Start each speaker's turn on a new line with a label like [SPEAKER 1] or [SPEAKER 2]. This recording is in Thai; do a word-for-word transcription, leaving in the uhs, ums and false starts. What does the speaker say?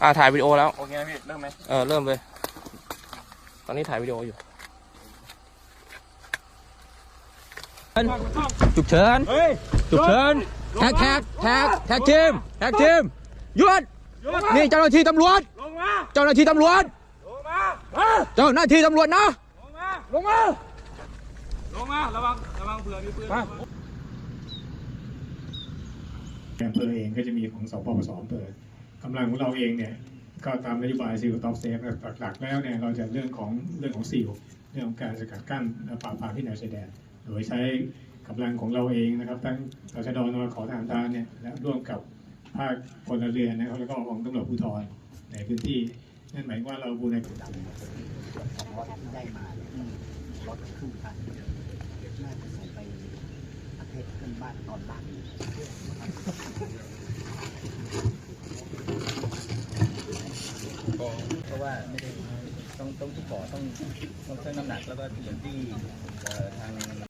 [SPEAKER 1] อ่าถ่ายวิดีโอแล้ว
[SPEAKER 2] โอเคนะพี่เริ่มไหม
[SPEAKER 1] เออเริ่มเลยตอนนี้ถ่ายวิดีโออยู่ฉุกเฉินฉุกเฉินแท็กแท็กแท็กแท็กทีมแท็กทีมหยุดนี่เจ้าหน้าที่ตำรวจเจ้าหน้าที่ตำรวจเจ้าหน้าที่ตำรวจนะลงมาลงมาระวังระวังเผื่อมีปืน
[SPEAKER 3] อำเภอเองก็จะมีของสปปสอำเภอกำลังของเราเองเนี่ยก็ตามนโยบายซีลท็อปเซฟหลักๆแล้วเนี่ยเราจะเรื่องของเรื่องของซีลเรื่องของการสกัดกั้นปราบปรามที่แนวชายแดนโดยใช้กำลังของเราเองนะครับทั้งตชดนขอทหารพรานเนี่ยและร่วมกับภาคพลเรือนนะครับแล้วก็ของตำรวจภูธรในพื้นที่นั่นหมายว่าเราบูรณาการ
[SPEAKER 4] ของรถที่ได้มาเนี่ยรถครึ่งคันน่าจะส่งไปประเทศเพื่อนบ้านตอนล่างเพราะว่าไม่ได้ต้องต้องที่ขอต้องต้องเพิ่มน้ำหนักแล้วก็อย่างที่ทาง